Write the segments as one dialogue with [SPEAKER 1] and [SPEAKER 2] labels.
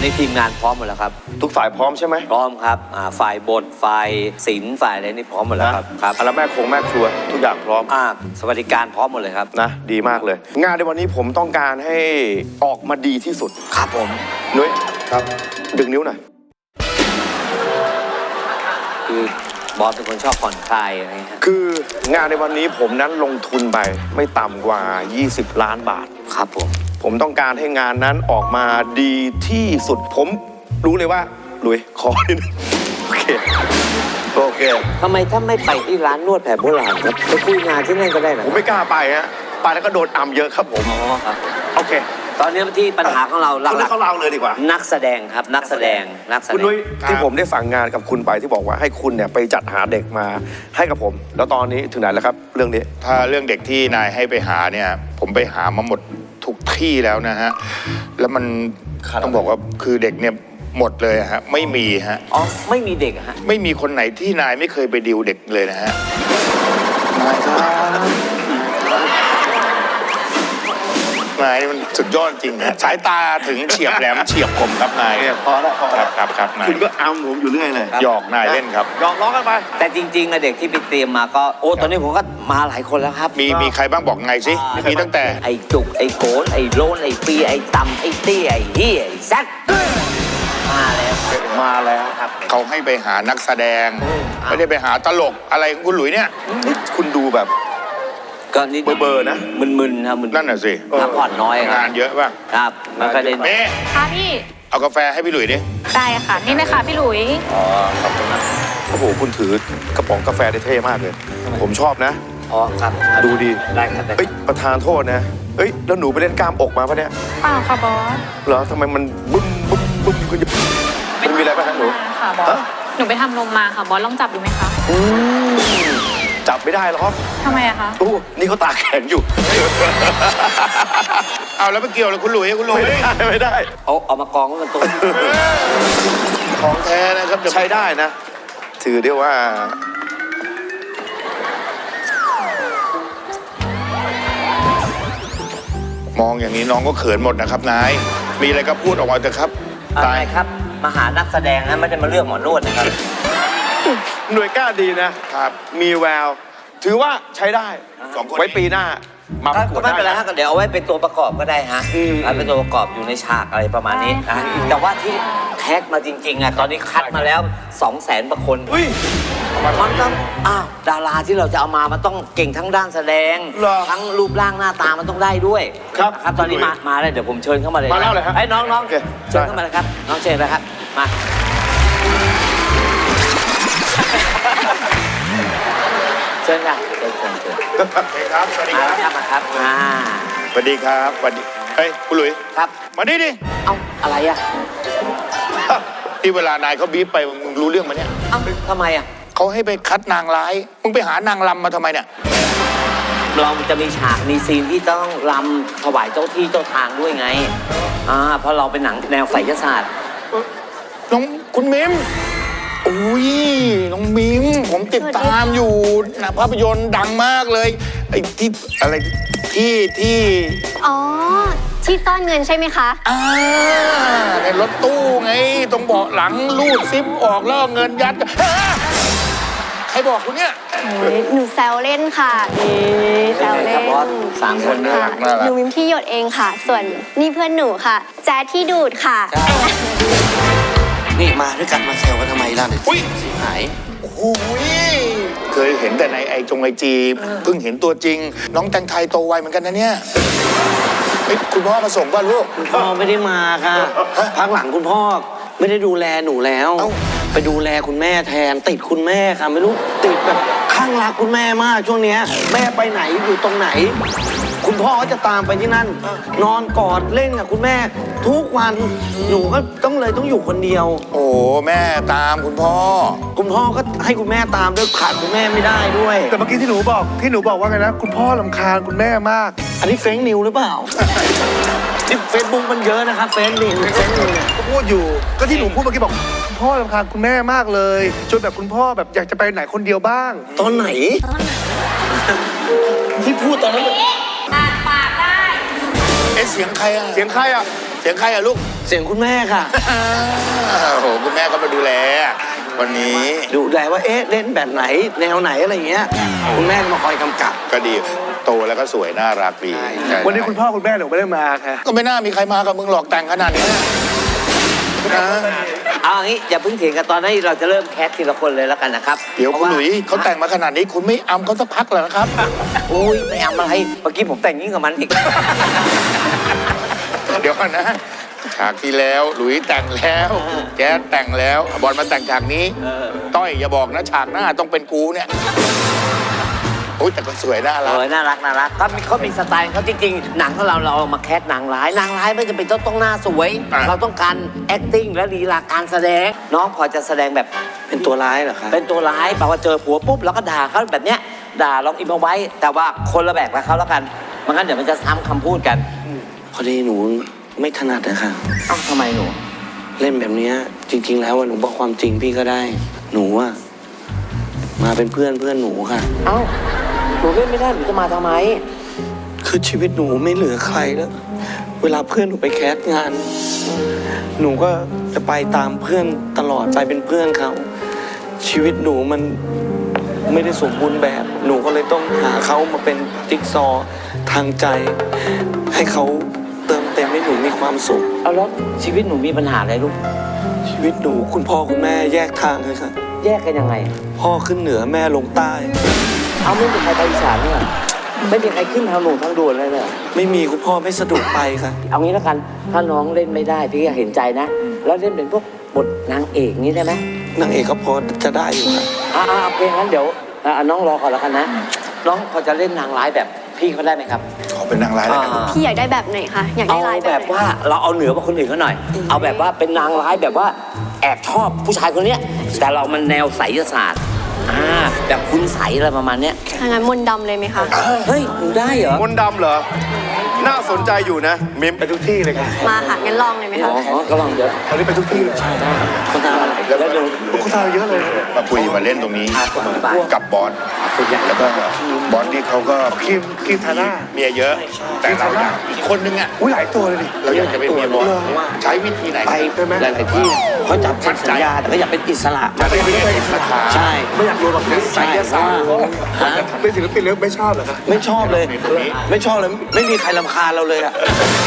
[SPEAKER 1] นี้ทีมงานพร้อมหมดแล้วครับ
[SPEAKER 2] ทุกฝ่ายพร้อมใช่ไหม
[SPEAKER 1] พร้อมครับฝ่ายบทฝ่ายศิลป์ฝ่ายอะไรนี่พร้อมหมดแล้วครับครับ
[SPEAKER 2] แล้วแม่ครัวทุกอย่างพร้อม
[SPEAKER 1] สวัสดิการพร้อมหมดเลยครับ
[SPEAKER 2] นะดีมากเลยงานในวันนี้ผมต้องการให้ออกมาดีที่สุด
[SPEAKER 1] ครับผม
[SPEAKER 2] นุ้ยครับดึงนิ้วหน่อย
[SPEAKER 1] คือบอสเป็นคนชอบผ่อนคลายอะไรเงี้ย
[SPEAKER 2] คืองานในวันนี้ผมนั้นลงทุนไปไม่ต่ำกว่า20 ล้านบาท
[SPEAKER 1] ครับ
[SPEAKER 2] ผมต้องการให้งานนั้นออกมาดีที่สุดผมรู้เลยว่าลุยขอนิดนึงโอเค
[SPEAKER 1] ทำไมถ้าไม่ไปที่ร้านนวดแผนโบราณครับไปคุยงานที่นั่นก็ได้นะ
[SPEAKER 2] ผมไม่กล้าไปฮะไปแล้วก็โดนอัมเยอะครับผม
[SPEAKER 1] ครับ
[SPEAKER 2] โอเค
[SPEAKER 1] ตอนนี้ที่ปัญหาของเราหลัก
[SPEAKER 2] ๆเขาเราเลยดีกว่า
[SPEAKER 1] นักแสดงครับนักแสดง
[SPEAKER 2] คุณนุ้ยที่ผมได้สั่งงานกับคุณไปที่บอกว่าให้คุณเนี่ยไปจัดหาเด็กมาให้กับผมแล้วตอนนี้ถึงไหนแล้วครับเรื่องนี้
[SPEAKER 3] ถ้าเรื่องเด็กที่นายให้ไปหาเนี่ยผมไปหามาหมดทุกที่แล้วนะฮะแล้วมันต้องบอกว่าคือเด็กเนี่ยหมดเลยฮะไม่มีฮะ
[SPEAKER 1] ไม่มีเด็กฮะ
[SPEAKER 3] ไม่มีคนไหนที่นายไม่เคยไปดิวเด็กเลยนะฮะนายครับนายมันสุดยอดจริงนะสายตาถึงเฉียบแหลมเฉียบคมครับนาย
[SPEAKER 2] พอแล้ว
[SPEAKER 3] ครับนาย
[SPEAKER 2] คุณก็อัมผมอยู่เรื่อยเลย
[SPEAKER 3] หยอกนายเล่นครับ
[SPEAKER 2] หยอกล้อกันไป
[SPEAKER 1] แต่จริงๆเด็กที่ไปเตรียมมาก็ตอนนี้ผมก็มาหลายคนแล้วครับ
[SPEAKER 3] มีใครบ้างบอกไงสิมีตั้งแต่
[SPEAKER 1] ไอ้จุกไอ้โกนไอ้โลนไอ้ปีไอ้ตำไอ้ตี้ไอ้เฮียไอ้แซดมาแล้วครับ
[SPEAKER 3] เขาให้ไปหานักแสดงไม่ได้ไปหาตลกอะไรของคุณหลุยเนี่ย
[SPEAKER 2] คุณดูแบบ
[SPEAKER 1] ก็นี่
[SPEAKER 2] เบอร์นะ
[SPEAKER 1] มึนๆครับ
[SPEAKER 3] นั่นน่ะสิ
[SPEAKER 1] พักผ่อนน้อย
[SPEAKER 3] งานเยอะป่ะ
[SPEAKER 1] ครับมันก็เลย
[SPEAKER 4] ค่ะพี่
[SPEAKER 3] เอากาแฟให้พี่หลุยดิ
[SPEAKER 4] ได้ค่ะนี่นะคะพี่หลุย
[SPEAKER 2] ขอบคุณนะโอ้โหคุณถือกระป๋องกาแฟได้เท่มากเลยผมชอบนะ
[SPEAKER 1] ครับ
[SPEAKER 2] ดูดี
[SPEAKER 1] ได้ครับ
[SPEAKER 2] เฮ้ยประธานโทษนะเฮ้ยแล้วหนูไปเล่นกล้ามอกมาปะเนี่ย
[SPEAKER 4] เปล่าค่ะบอส
[SPEAKER 2] เหรอทำไมมันบึ้มคุณจะมันมีอะไรป่ะหนู
[SPEAKER 4] ค่ะบอสหนูไปทำนมมาค่ะบอสลองจับดูไหมคะ
[SPEAKER 2] จับไม่ได้หรอก
[SPEAKER 4] ทำไมอะคะ
[SPEAKER 2] นี่เขาตาแข็งอยู่
[SPEAKER 3] เอาแล้วไม่เกี่ยวเลยคุณหลุย
[SPEAKER 2] ไม่ได้
[SPEAKER 1] เอามากองไว้กันตรง
[SPEAKER 3] ของแท้นะครับ
[SPEAKER 2] ใช้ได้นะถือได้ว่
[SPEAKER 3] ามองอย่างนี้น้องก็เขินหมดนะครับนายมีอะไรก็พูดออกมาเถอะครับ
[SPEAKER 1] ตายครับมาหานักแสดงนะไม่ได้มาเลือกหมอนวดนะครับ
[SPEAKER 2] หน่วยกล้าดีนะครับมีแววถือว่าใช้ได้2 คนไว้ปีหน้ามาประกวดได้
[SPEAKER 1] ไม่เป็นไรฮะเดี๋ยวเอาไว้เป็นตัวประกอบก็ได้ฮะเป็นตัวประกอบอยู่ในฉากอะไรประมาณนี้แต่ว่าที่แท็กมาจริงๆตอนนี้คัดมาแล้ว 200,000 กว่าคนมันต้องดาราที่เราจะเอามามันต้องเก่งทั้งด้านแสดงทั้งรูปร่างหน้าตามันต้องได้ด้วย
[SPEAKER 2] ครับ
[SPEAKER 1] ตอนนี้มาเลยเดี๋ยวผมเชิญเข้ามาเลย
[SPEAKER 2] มาแล้วเลยครับ
[SPEAKER 1] น้องเชิญเข้ามาเลยครับน้องเชิญนะครับมาเชิญค่ะเชิญ
[SPEAKER 3] ครับสวัสดีครับ
[SPEAKER 1] มาครับ
[SPEAKER 3] สวัสดีครับสวัสดีเฮ้ยคุณหลุย
[SPEAKER 1] ครับ
[SPEAKER 3] มาดิ
[SPEAKER 1] เอาอะไรอ่ะ
[SPEAKER 3] ที่เวลานายเขาบีบไปมึงรู้เรื่องมาเนี่ย
[SPEAKER 1] ทำไมอ่ะ
[SPEAKER 3] เขาให้ไปคัดนางร้ายมึงไปหานางรำมาทำไมเนี่ย
[SPEAKER 1] เราจะมีฉากมีซีนที่ต้องรำถวายเจ้าที่เจ้าทางด้วยไงเพราะเราเป็นหนังแนวไสยศาสตร์
[SPEAKER 3] น้องคุณมิมอุ้ยน้องมิมผมติดตามอยู่นะภาพยนตร์ดังมากเลยไอ้ที่อะไรที่
[SPEAKER 4] ที่ซ่อนเงินใช่ไหมคะ
[SPEAKER 3] ในรถตู้ไงตรงเบาะหลังลูดซิปออกแล้วเงินยัดใครบอกคุณเนี่ย
[SPEAKER 4] หนูแซวเล่นค่ะแซวเล่น
[SPEAKER 1] 3 คน
[SPEAKER 4] ค่ะหนูมิมที่หยดเองค่ะส่วนนี่เพื่อนหนูค่ะแจ๊ดที่ดูดค่ะ
[SPEAKER 1] นี่มาด้วยกันมาแซวกันทำไมล่ะเนี่ยหาย
[SPEAKER 3] โอ้ยเคยเห็นแต่ในไอจีเพิ่งเห็นตัวจริงน้องแตงไทยโตไวเหมือนกันนะเนี่ยคุณพ่อมาส่งป่ะลูก
[SPEAKER 1] คุณพ่อไม่ได้มาค่ะพักหลังคุณพ่อไม่ได้ดูแลหนูแล้วไปดูแลคุณแม่แทนติดคุณแม่ค่ะไม่รู้ติดแบบข้างรักคุณแม่มากช่วงเนี้ยแม่ไปไหนอยู่ตรงไหนคุณพ่อก็จะตามไปที่นั่นนอนกอดเล่นกับคุณแม่ทุกวันหนูก็ต้องอยู่คนเดียว
[SPEAKER 3] โอ้แม่ตามคุณพ่อ
[SPEAKER 1] ก็ให้คุณแม่ตามด้วยขาดคุณแม่ไม่ได้ด้วย
[SPEAKER 2] แต่เมื่อกี้ที่หนูบอกว่าไงนะคุณพ่อรำคาญคุณแม่มาก
[SPEAKER 1] อันนี้เฟซนิวหรือเปล่านี่เฟซบุ๊กมันเยอะนะครับเฟซนิว
[SPEAKER 2] ก็พูดอยู่ก็ที่หนูพูดเมื่อกี้บอกคุณพ่อรำคาญคุณแม่มากเลยจนแบบคุณพ่อแบบอยากจะไปไหนคนเดียวบ้าง
[SPEAKER 1] ตอนไหนที่พูดตอนนั้น
[SPEAKER 4] ปากได้
[SPEAKER 3] เสียงใครอ่ะสียงใครอะลูก
[SPEAKER 1] เสียงคุณแม่ค่ะ
[SPEAKER 3] โอ้โหคุณแม่ก็มาดูแล วันนี้
[SPEAKER 1] ดูแลว่าเอ๊ะเล่นแบบไหนแนวไหนอะไรอย่างเงี้ยคุณแม่ก็มาคอยกำกับ
[SPEAKER 3] ก็ดีโตแล้วก็สวยน่ารักดีใช่
[SPEAKER 2] วันนี้คุณพ่อคุณแม่หนูไม่ได้มาค่ะ
[SPEAKER 3] ก็ไม่น่ามีใครมากับมึงหลอกแต่งขนาดนี้นะ
[SPEAKER 5] เอาอย่างนี้อย่าเพิ่งเถียงกันตอนนี้เราจะเริ่มแคสทีละคนเลยแล้วกันนะครับ
[SPEAKER 3] เดี๋ยวคุณหลุยเขาแต่งมาขนาดนี้คุณไม่อำเขาสักพักเหรอครับ
[SPEAKER 5] โอ้ยไม่เอาอะไรเมื่อกี้ผมแต่งยิ่งกับมันอีก
[SPEAKER 3] เดี๋ยวก่อนนะฉากที่แล้วหลุยแต่งแล้วแจ๊ดแต่งแล้วบอลมาแต่งฉากนี้ต้อยอย่าบอกนะฉากหน้าต้องเป็นกูเนี่ยโอ้ยแต่ก็สวยน่ารัก
[SPEAKER 5] โอ้ยน่ารักน่ารักก็มีเขามีสไตล์เขาจริงๆหนังของเราเอามาแคสนางร้ายไม่จำเป็นต้องหน้าสวย เราต้องการ acting และลีลาการแสดงน้องพอจะแสดงแบบ
[SPEAKER 1] เป็นตัวร้ายเหรอคะ
[SPEAKER 5] เป็นตัวร้ายแปลว่าเจอผัวปุ๊บแล้วก็ด่าเขาแบบเนี้ยด่าลองอิมเอาไว้ แต่ว่าคนละแบบกับเขาแล้วกันไม่งั้นเดี๋ยวมันจะซ้ำคำพูดกัน
[SPEAKER 1] พอดีหนูไม่ถนัดนะคะ
[SPEAKER 5] เอ้าทำไมหนู
[SPEAKER 1] เล่นแบบเนี้ยจริง ๆ แล้วอะหนูบอกความจริงพี่ก็ได้ หนูอะมาเป็นเพื่อนหนูค่ะ
[SPEAKER 5] เอ้าหนูเล่นไม่ได้หนูจะมาทำไม
[SPEAKER 1] คือชีวิตหนูไม่เหลือใครแล้ว เวลาเพื่อนหนูไปแคสงาน หนูก็จะไปตามเพื่อนตลอดไปเป็นเพื่อนเขา ชีวิตหนูมันไม่ได้สมบูรณ์แบบ หนูก็เลยต้องหาเขามาเป็นจิ๊กซอว์ทางใจ ให้เขาเติมเต็มให้หนูมีความสุข
[SPEAKER 5] เอาแล้วชีวิตหนูมีปัญหาอะไรลูก
[SPEAKER 1] ชีวิตหนูคุณพ่อคุณแม่แยกทางเลยค่ะ
[SPEAKER 5] แยกกันยังไง
[SPEAKER 1] พ่อขึ้นเหนือแม่ลงใต้
[SPEAKER 5] เอาไม่มีใครไปอีสานเนี่ยไม่มีใครขึ้นทางหลวงทางด่วนเลยเนี่ย
[SPEAKER 1] ไม่มีคุณพ่อไม่สะดวกไปค่ะ
[SPEAKER 5] เอางี้แล้วกันถ้าน้องเล่นไม่ได้พี่ก็เห็นใจนะ แล้วเล่นเป็นพวกบทนางเอกนี้ได้ไหม
[SPEAKER 1] นางเอกก็พอจะได้อยู่ค่ะ
[SPEAKER 5] โอเคงั้นเดี๋ยวน้องรอก่อนแล้วกันนะ น้องพอจะเล่นนางร้ายแบบพี่เขาได้ไหมครับ
[SPEAKER 3] ขอเป็นนางร้ายแล้วกัน
[SPEAKER 4] พี่อยากได้แบบไหนคะอยาก
[SPEAKER 5] เอา
[SPEAKER 4] ได้ลาย
[SPEAKER 5] แบบ
[SPEAKER 4] ไหน
[SPEAKER 5] ว่าเราเอาเหนือกว่าคนอื่นเขาหน่อย เอาแบบว่าเป็นนางร้ายแบบว่าแอบชอบผู้ชายคนเนี้ยแต่เรามันแนวไสยศาสตร์แบบคุณใสอะไรประมาณเนี้ย
[SPEAKER 4] ถ้างั้นมนต์ดำเลยไหมคะ
[SPEAKER 5] เฮ้ยหนูได้เหรอ
[SPEAKER 2] มนต์ดำเหรอ น่าสนใจอยู่นะ มิมไปทุกที่เลยครับ
[SPEAKER 4] มาค่ะงั้นลองเลยไหมคะ
[SPEAKER 5] อ๋อก็ลองเดี๋ยว
[SPEAKER 2] ตอนนี้ไปทุกที่เลย
[SPEAKER 1] คนทำอะไร
[SPEAKER 5] แล้วเดี๋ยว
[SPEAKER 2] คุณทาเยอะเลย
[SPEAKER 3] มาคุยมาเล่นตรงนี้
[SPEAKER 5] ไป
[SPEAKER 3] กับบอสแล้วก็บอสนี่เขาก็
[SPEAKER 2] คิมทาร่า
[SPEAKER 3] เมียเยอะ แต่เราอยากอีกคนนึงอ่ะ
[SPEAKER 2] อุ้ยหลายตัวเลยดิ
[SPEAKER 3] เราอยากจะเป็นเมียบอสใช้วิธีไหน
[SPEAKER 1] ไปหลายๆที่เขาจับเซ็นสัญญาแต่ก็อยากเป็นอิสระ
[SPEAKER 3] จะได้ไม่ได้คาถา
[SPEAKER 1] ใช่
[SPEAKER 2] ไม่อยากโดนหรอกนะ
[SPEAKER 1] ใช่เพราะว่าฮะ
[SPEAKER 2] เป็นศิลปินแล้วไม่ชอบเหรอครับ
[SPEAKER 1] ไม่ชอบเลย ไม่ชอบเลย ไม่มีใครรำคาญเราเลยอะ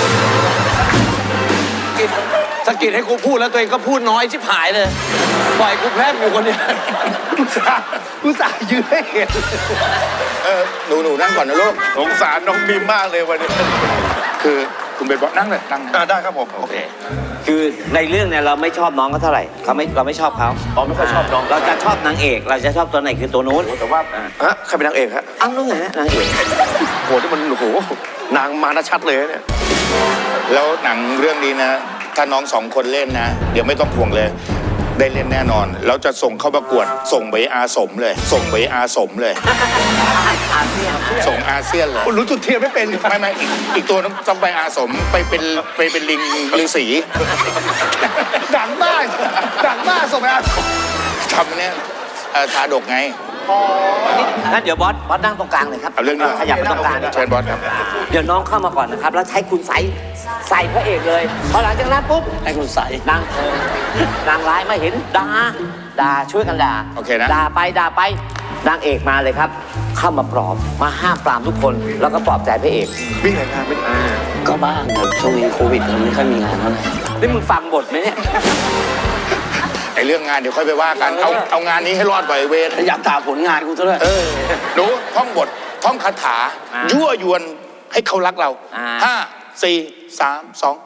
[SPEAKER 1] สะกิดให้กูพูดแล้วตัวเองก็พูดน้อยชิบหายเลย ปล่อยกูแพร่มอยู่คนเดียว
[SPEAKER 2] กูสาห์ยืนให้เห็น
[SPEAKER 3] หนูนั่งก่อนนะลูก
[SPEAKER 2] สงสารน้องมิมมากเลยวันนี้
[SPEAKER 3] คือคุณเป็นบอสนั่งเลยนั่ง
[SPEAKER 2] ได้ครับผม
[SPEAKER 3] โอเค
[SPEAKER 5] คือในเรื่องเนี่ยเราไม่ชอบน้องเขาเท่าไหร่เราไม่ชอบเขา
[SPEAKER 2] อ๋อไม่ค่อยชอบน้อง
[SPEAKER 5] เราจะชอบนางเอกเราจะชอบตัวไหนคือตัวนู้น
[SPEAKER 2] แต่ว่าฮะใครเป็นนางเอกฮะ
[SPEAKER 5] อ้าวนู้นไงนางเอก
[SPEAKER 2] โหที่มันโอ้โหนางมานะชัดเลยเนี่ย
[SPEAKER 3] แล้วหนังเรื่องนี้นะ ถ้าน้องสองคนเล่นนะ เดี๋ยวไม่ต้องห่วงเลย ได้เล่นแน่นอน แล้วจะส่งเข้าประกวด ส่งไปอาสมเลย ส่งไปอาสมเลย ส่งอาเซียนเลย
[SPEAKER 2] คุณรู้จุดเทียนไม่เป็น
[SPEAKER 3] ไม่อีกตัวต้องไปอาสมไปเป็นลิงฤาษี
[SPEAKER 2] ดังมากส่งไปอ่ะ
[SPEAKER 3] ทำเนี่ยทาดกไง
[SPEAKER 5] งั้นเดี๋ยวบอสนั่งตรงกลางเลยครับ
[SPEAKER 3] เอาเรื่องนี้
[SPEAKER 5] ขยับไปตรงกลาง
[SPEAKER 3] เชิญบอสครับ
[SPEAKER 5] เดี๋ยวน้องเข้ามาก่อนนะครับ แล้วใช้คุณใส่พระเอกเลยพอหลังจากนั้นปุ๊บ
[SPEAKER 1] ให้คุณใส่
[SPEAKER 5] นางร้ายมาเห็นด่าช่วยกันด่า
[SPEAKER 3] โอเคนะ
[SPEAKER 5] ด่าไปนางเอกมาเลยครับ เข้ามาปลอบมาห้ามปรามทุกคนแล้วก็ปลอบใจพระเอก
[SPEAKER 2] วิ่งไหนงานไม่
[SPEAKER 1] ก็บ้างครับช่วงนี้โควิดเราไม่ค่อยมีงานเท่าไหร่
[SPEAKER 5] นี่มึงฟังบทไหมเนี่ย
[SPEAKER 3] ไอเรื่องงานเดี๋ยวค่อยไปว่ากัน เอางานนี้ให้รอดก่อนไอ้เวร
[SPEAKER 1] อยากถามผลงานกูซะด้วย
[SPEAKER 3] หนูท่องบทท่องคาถา ยั่วยวนให้เขารักเรา 5 4 3 2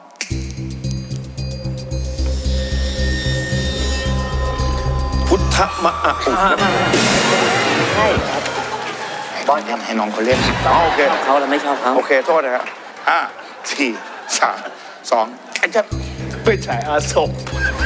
[SPEAKER 2] พุทธมะอะอุ
[SPEAKER 5] ใช่ครับบอสครับ
[SPEAKER 3] ให้น้องเขาเล่น
[SPEAKER 2] โอเค
[SPEAKER 5] เขาเราไม่ชอบเขา
[SPEAKER 2] โอเคโทษนะฮะ
[SPEAKER 3] 5 4 3 2จะ
[SPEAKER 2] เป็นฉายอาสม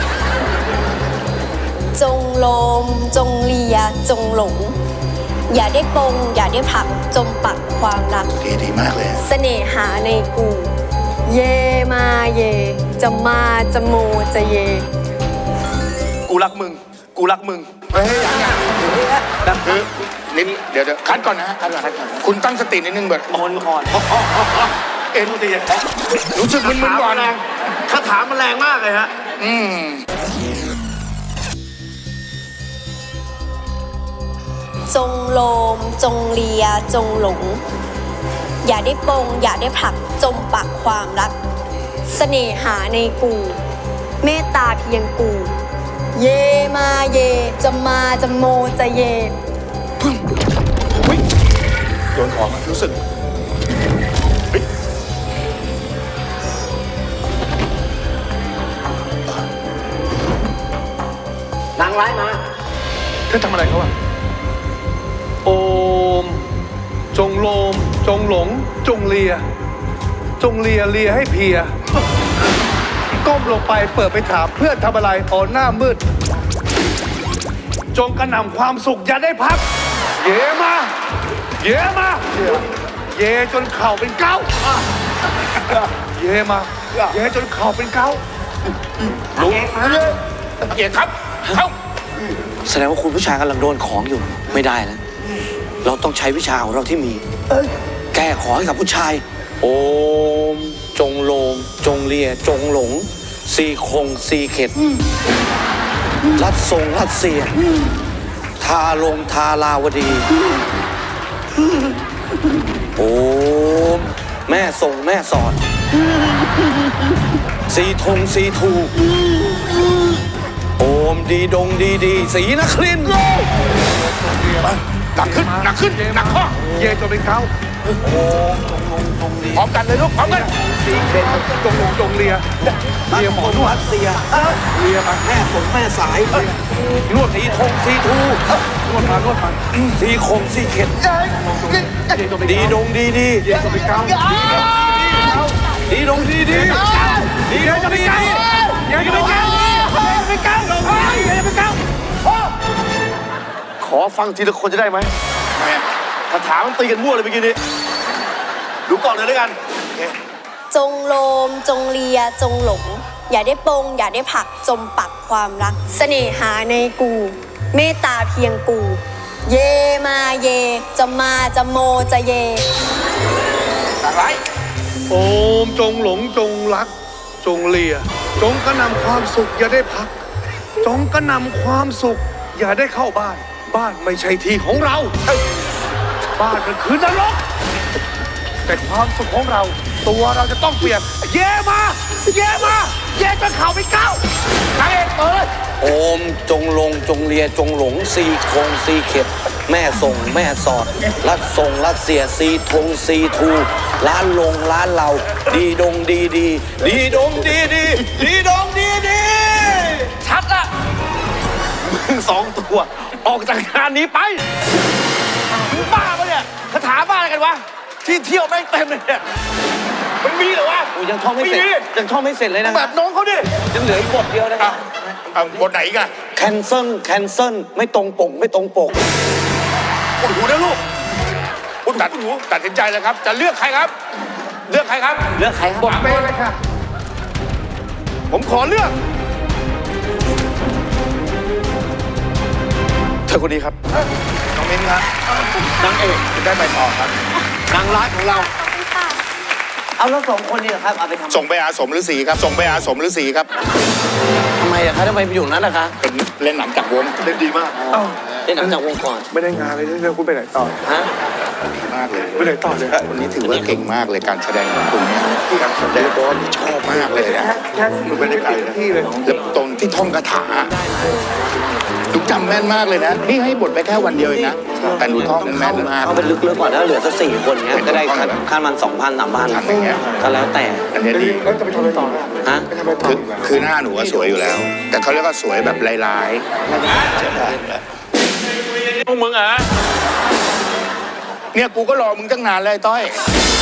[SPEAKER 4] จงโลมจงเลียจงหลง อย่าได้ปงอย่าได้ผลักจมปักความรัก
[SPEAKER 3] ดีมากเลย
[SPEAKER 4] เสน่หาในกู เยมาเย จะมาจะโมจะเย
[SPEAKER 2] กูรักมึง กูรักมึง
[SPEAKER 3] เฮ้ยยังคือนิดเดี๋ยวคัดก่อนนะฮะคัดก่อนคุณตั้งสตินิดนึงแบบ
[SPEAKER 5] อ่อน
[SPEAKER 3] เอ็นรู้สึกมึนๆก่อนนะ
[SPEAKER 2] าถามันแรงมากเลยฮะ
[SPEAKER 4] จงโลมจงเลียจงหลง อย่าได้ปงอย่าได้ผลักจมปักความรัก เสน่หาในกู เมตตาเพียงกู เยมาเยจะมาจะโมจะเย
[SPEAKER 3] โดนของอะรู้สึก
[SPEAKER 5] นางร้ายมา
[SPEAKER 6] เธอทำอะไรเขาอะโอม จงโลม จงหลง จงเลีย จงเลียเลียให้เพลีย ก้มลงไปเปิดไปถามเพื่อนทำอะไรอ๋อหน้ามืด จงกระหน่ำความสุขอย่าได้พัก เยมา เยมา เยจนเข่าเป็นเก้าเยมา เยจนเข่าเป็นเก้า
[SPEAKER 3] ลุงเกียรติครับเข้า
[SPEAKER 1] แสดงว่าคุณผู้ชายกำลังโดนของอยู่ไม่ได้แล้ว เราต้องใช้วิชาของเราที่มี แก้ของให้กับผู้ชาย โอม จงโลม จงเลีย จงหลง ซีคงซีเข็ด รัดทรงรัดเสีย ทาลงทาลาวดี โอม แม่ทรงแม่สอน ซีทงซีทู โอมดีดงดีดีสีนครินทร์
[SPEAKER 3] หนักขึ้นหนักขึ้นหนักข้อ
[SPEAKER 6] เยจนเป็นเก้า
[SPEAKER 3] พร้อมกันเลยลูกพร้อมกัน
[SPEAKER 6] สีเข็ดจงหลงจงเลีย เลียหมอนว
[SPEAKER 1] รั
[SPEAKER 6] ด
[SPEAKER 1] ดเสีย
[SPEAKER 6] เลียมา
[SPEAKER 1] แม่ฝนแม่สายนวดสีทงสีทู
[SPEAKER 6] นวดมานวดมา
[SPEAKER 1] สีคงสีเข็ด
[SPEAKER 6] เยจนเป็น
[SPEAKER 1] ดีดงดีดี
[SPEAKER 6] เยจนเป็นเก้า
[SPEAKER 1] ดีดงดีดีดีดงดีดี
[SPEAKER 6] เยจนเป็นเก้าเยจนเป็นเก้าเยจนเป็นเก้า
[SPEAKER 2] ขอฟังทีละคนจะได้ไหมคาถามันตีกันมั่วเลยเมื่อกี้นี้ ดูก่อนเลยด้วยกัน
[SPEAKER 4] จงโลมจงเลียจงหลง อย่าได้ปงอย่าได้ผลักจมปักความรัก เสน่หาในกู เมตตาเพียงกู เยมาเยจะมาจะโมจะเย
[SPEAKER 3] อะไร
[SPEAKER 6] โอมจงหลงจงรัก จงเลีย จงกระหน่ำความสุขอย่าได้พัก จงกระหน่ำความสุข อย่าได้เข้าบ้าน บ้านไม่ใช่ที่ของเรา บ้านมันคือนรก แต่ความสุขของเรา ตัวเราจะต้องเปลี่ยน เย่มา เย่มา เย่จะเข่าไปเก้าทางเอกเปิด
[SPEAKER 1] โอมจงลงจงเลียจงหลงซีคงซีเข็ด แม่ส่งแม่สอด รัดส่งรัดเสียซีทงซีทูร้านลงร้านเราดีดงดีดีดีดงดีดีดีดงดีดี
[SPEAKER 2] ชัดละมึงสองตัว ออกจากงานนี้ไปมึงบ้าปะเนี่ยคาถาบ้าอะไรกันวะ ที่เที่ยวแม่งเต็มเลยเนี่ย มันมีเหรอวะ
[SPEAKER 1] โอ้ยังท่องไม่เสร็จยังท่องไม่เสร็จเลยนะ
[SPEAKER 2] แบบน้องเขาดิ
[SPEAKER 1] ยังเหลืออีกบทเดียวนะค
[SPEAKER 3] อ่ะ
[SPEAKER 1] รับ
[SPEAKER 3] เอาบทไหนอีกัน
[SPEAKER 1] แคนเซิลแคนเซิลไม่ตรงปกไม่ตรงปก
[SPEAKER 3] ปวดหูนะลูกคุณตัดสินใจเลยครับ จะเลือกใครครับ เลือกใครครับ
[SPEAKER 5] เลือกใครครับ
[SPEAKER 6] บทเป้เลยค่ะ
[SPEAKER 2] ผมขอเลือกเธอคนนี้ครับ
[SPEAKER 3] น้องมิ้นครับนางเอกจะได้ไปต่อครับ
[SPEAKER 2] นางร้ายของเรา
[SPEAKER 5] เอาแล้วสองคนนี้เหรอครับ เอาไปทำ
[SPEAKER 3] ส่งไปอาสมฤาษีครับ ส่งไปอาสมฤาษีครับ
[SPEAKER 1] ทำไมอะคะทำไมไปอยู่นั้นนะคะ
[SPEAKER 3] เป็นเล่นหนังจากวง
[SPEAKER 2] เล่นดีมาก
[SPEAKER 1] เล่นหนังจากวงก่อน
[SPEAKER 6] ไม่ได้งานเลยเรื่องคุณไปไหนต่อ
[SPEAKER 1] ฮะ
[SPEAKER 3] มากเลย
[SPEAKER 6] ไปไหนต่อเนี่ย
[SPEAKER 3] วันนี้ถือว่าเก่งมากเลยการแสดงของคุณเนี่ยการแสดงบอลชอบมากเลยนะ
[SPEAKER 6] แค่คุณไปได้ไกลนะที่เลย
[SPEAKER 3] แล้วตรงที่ท่องคาถาทุกจำแม่นมากเลยนะ นี่ให้บทไปแค่วันเดียวเองนะ แต่หนูท่องแม่นมาก
[SPEAKER 1] เอาไปลึกๆก่อนถ้าเหลือสัก4 คนเงี้ยก็ได้ค่ามัน2,000 3,000
[SPEAKER 3] ทำอย่างเงี้ย
[SPEAKER 1] ก็แล้วแต่
[SPEAKER 3] อันเนี้ยดี
[SPEAKER 6] แล้วจะไปทำอะไรต่อนะ
[SPEAKER 1] ฮะ
[SPEAKER 6] ไปทำอะไรต่อ
[SPEAKER 3] คือหน้าหนูว่าสวยอยู่แล้ว แต่เขาเรียกว่าสวยแบบลายๆพวกมึงอ่ะเนี่ยกูก็รอมึงตั้งนานเลยต้อย